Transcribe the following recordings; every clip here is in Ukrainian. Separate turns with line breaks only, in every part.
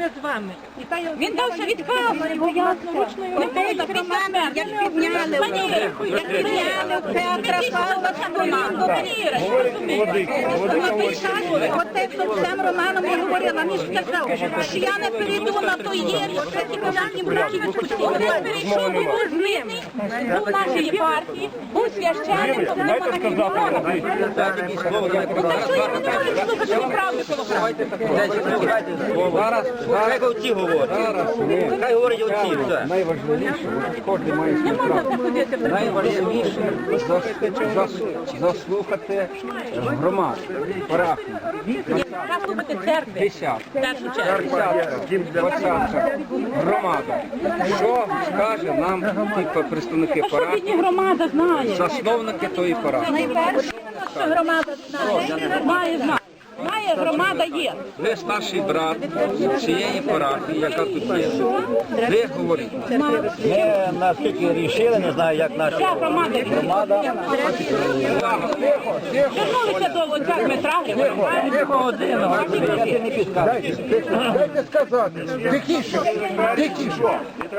поряд з вами.
Він дався від камери, бо я власноручною рукою так Романа, як підняли Петра Павла Самбонанду. Оте з Романом я говорила, він сказав, що я не перейду на той єрі, що ці поляні браки відпустили. Він перейшов, був з ними, був в нашій партії, був священним, то не понакидували. Так що я не можу слухати правду коло
Хай оці говорять. Хай говорять оці.
Найважливіше, кожен має свою правду. Найважливіше заслухати громаду, парафію.
Заслухати церкви.
Десятка, двадцятка, громада. Що скаже нам ті представники парафії,
Бідні громада знає.
засновники тої парафії?
Найперше, що громада знає, має знати. Має, громада є.
Ви старший брат цієї парафії, яка тут є. Ви говорите.
Ми наскільки рішили, не знаю, як наші
Вся громада. Вернулися до Луця Дмитра Григорія.
Дайте сказати. Тихіше. Тихіше.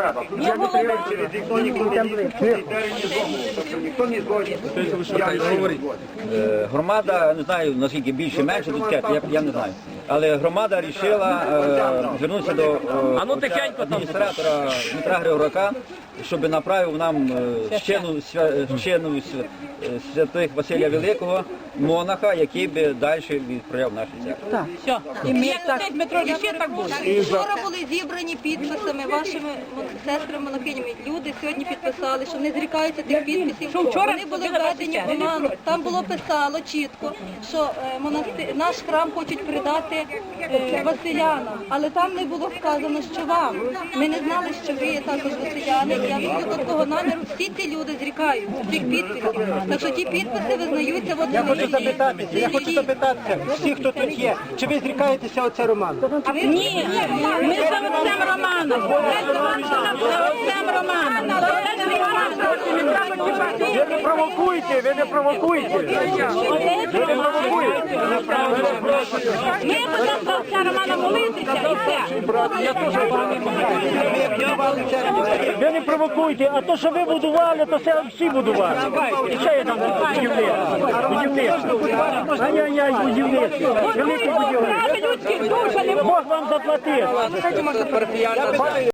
громада, не знаю, наскільки більше, менше, тут я не знаю. Але громада вирішила звернутися до адміністратора Дмитра Григоряка, щоб направив нам вчену святих Василія Великого, монаха, який би далі відправляв наші церкви.
Все. І ми так, Дмитро, і ще так буде.
Вчора були зібрані підписами вашими сестрами-монахинями. Люди сьогодні підписали, що не зрікаються тих підписів.
Що вчора
Вони були введені в оману. Там було писало чітко, що наш храм хочуть передати Василянам. Але там не було сказано, що вам. Ми не знали, що ви є також Василяни. Я від такого наміру всі ці люди зрікаються цих підписів. Так що ті підписи визнаються в
Я хочу запитатися, всі, хто тут є, чи ви зрікаєтеся оце Романа?
Ні, ми за отцем Романом. Ми за отцем Романом.
Ви не провокуйте, ви не провокуйте.
Ми будемо за отця Романа молитися і все.
Ви не провокуйте, а то, що ви будували, то це всі будували. І ще є там будівництво. Ай-яй-яй, будівництво. Велике будівництво.
Людських душ, а не
Бог вам заплатив.